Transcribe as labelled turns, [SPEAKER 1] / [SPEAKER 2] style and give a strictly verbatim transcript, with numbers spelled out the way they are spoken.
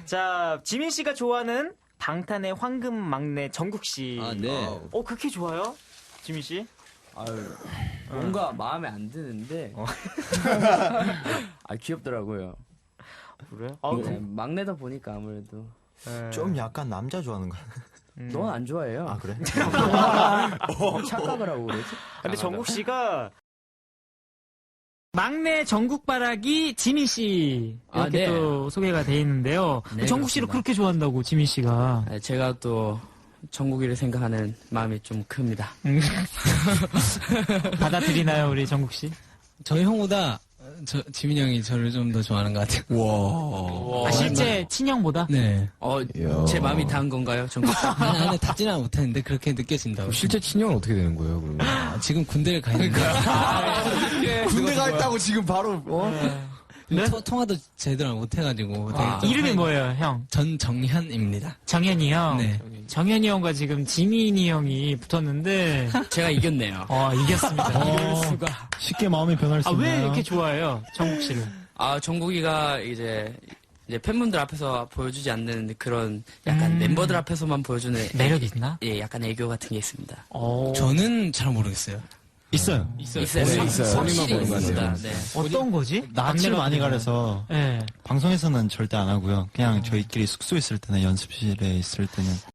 [SPEAKER 1] 자, 지민 씨가 좋아하는 방탄의 황금 막내 정국 씨.
[SPEAKER 2] 아, 네.
[SPEAKER 1] 어, 그렇게 좋아요? 지민 씨?
[SPEAKER 2] 아유, 뭔가 마음에 안 드는데.
[SPEAKER 1] 어.
[SPEAKER 2] 아, 귀엽더라고요.
[SPEAKER 1] 그래요? 아,
[SPEAKER 2] 네,
[SPEAKER 1] 그럼-
[SPEAKER 2] 막내다 보니까 아무래도.
[SPEAKER 1] 네.
[SPEAKER 3] 좀 약간 남자 좋아하는 거.
[SPEAKER 1] 음.
[SPEAKER 2] 넌 안 좋아해요.
[SPEAKER 3] 아 그래?
[SPEAKER 2] 어, 착각을 하고 그러지?
[SPEAKER 1] 근데 정국 씨가
[SPEAKER 4] 막내 전국바라기 지민 씨
[SPEAKER 2] 아,
[SPEAKER 4] 이렇게
[SPEAKER 2] 네.
[SPEAKER 4] 또 소개가 돼 있는데요.
[SPEAKER 2] 네,
[SPEAKER 4] 정국 씨를
[SPEAKER 2] 그렇습니다.
[SPEAKER 4] 그렇게 좋아한다고 지민 씨가.
[SPEAKER 2] 아, 제가 또 정국이를 생각하는 마음이 좀 큽니다.
[SPEAKER 4] 받아들이나요, 우리 정국 씨?
[SPEAKER 5] 저희 형보다 저, 지민이 형이 저를 좀 더 좋아하는 것 같아요.
[SPEAKER 2] 와.
[SPEAKER 4] 아, 실제 친형보다?
[SPEAKER 5] 네.
[SPEAKER 2] 어, 제 마음이 닿은 건가요, 정국 씨?
[SPEAKER 5] 아니, 아니, 닿지는 못했는데 그렇게 느껴진다고.
[SPEAKER 6] 실제 친형은 어떻게 되는 거예요, 그러면?
[SPEAKER 5] 아, 지금 군대를 가 있는데.
[SPEAKER 3] 군대 가 있다고 지금 바로 어?
[SPEAKER 4] 네?
[SPEAKER 5] 토- 통화도 제대로 못해가지고. 되게
[SPEAKER 2] 아.
[SPEAKER 5] 좀
[SPEAKER 4] 이름이
[SPEAKER 5] 사이-
[SPEAKER 4] 뭐예요, 형?
[SPEAKER 5] 전정현입니다.
[SPEAKER 4] 정현이 형?
[SPEAKER 5] 네.
[SPEAKER 4] 정현이 형과 지금 지민이 형이 붙었는데,
[SPEAKER 2] 제가 이겼네요.
[SPEAKER 4] 어, 이겼습니다.
[SPEAKER 2] 이럴 수가.
[SPEAKER 7] 쉽게 마음이 변할 수
[SPEAKER 4] 아,
[SPEAKER 7] 있나요?
[SPEAKER 4] 왜 이렇게 좋아해요, 정국 씨를?
[SPEAKER 2] 아, 정국이가 이제, 이제 팬분들 앞에서 보여주지 않는 그런 약간
[SPEAKER 4] 음.
[SPEAKER 2] 멤버들 앞에서만 보여주는
[SPEAKER 4] 매력 있나?
[SPEAKER 2] 예, 약간 애교 같은 게 있습니다.
[SPEAKER 4] 어,
[SPEAKER 5] 저는 잘 모르겠어요.
[SPEAKER 7] 있어요.
[SPEAKER 2] 있어요.
[SPEAKER 6] 있어요. 있어요.
[SPEAKER 2] 확실히
[SPEAKER 6] 본인만 보는 것
[SPEAKER 2] 있습니다.
[SPEAKER 6] 같아요.
[SPEAKER 2] 네.
[SPEAKER 4] 어떤 거지?
[SPEAKER 7] 낯을
[SPEAKER 4] 막내가
[SPEAKER 7] 많이
[SPEAKER 4] 되면.
[SPEAKER 7] 가려서
[SPEAKER 4] 네.
[SPEAKER 7] 방송에서는 절대 안 하고요. 그냥 저희끼리 숙소 있을 때나 연습실에 있을 때는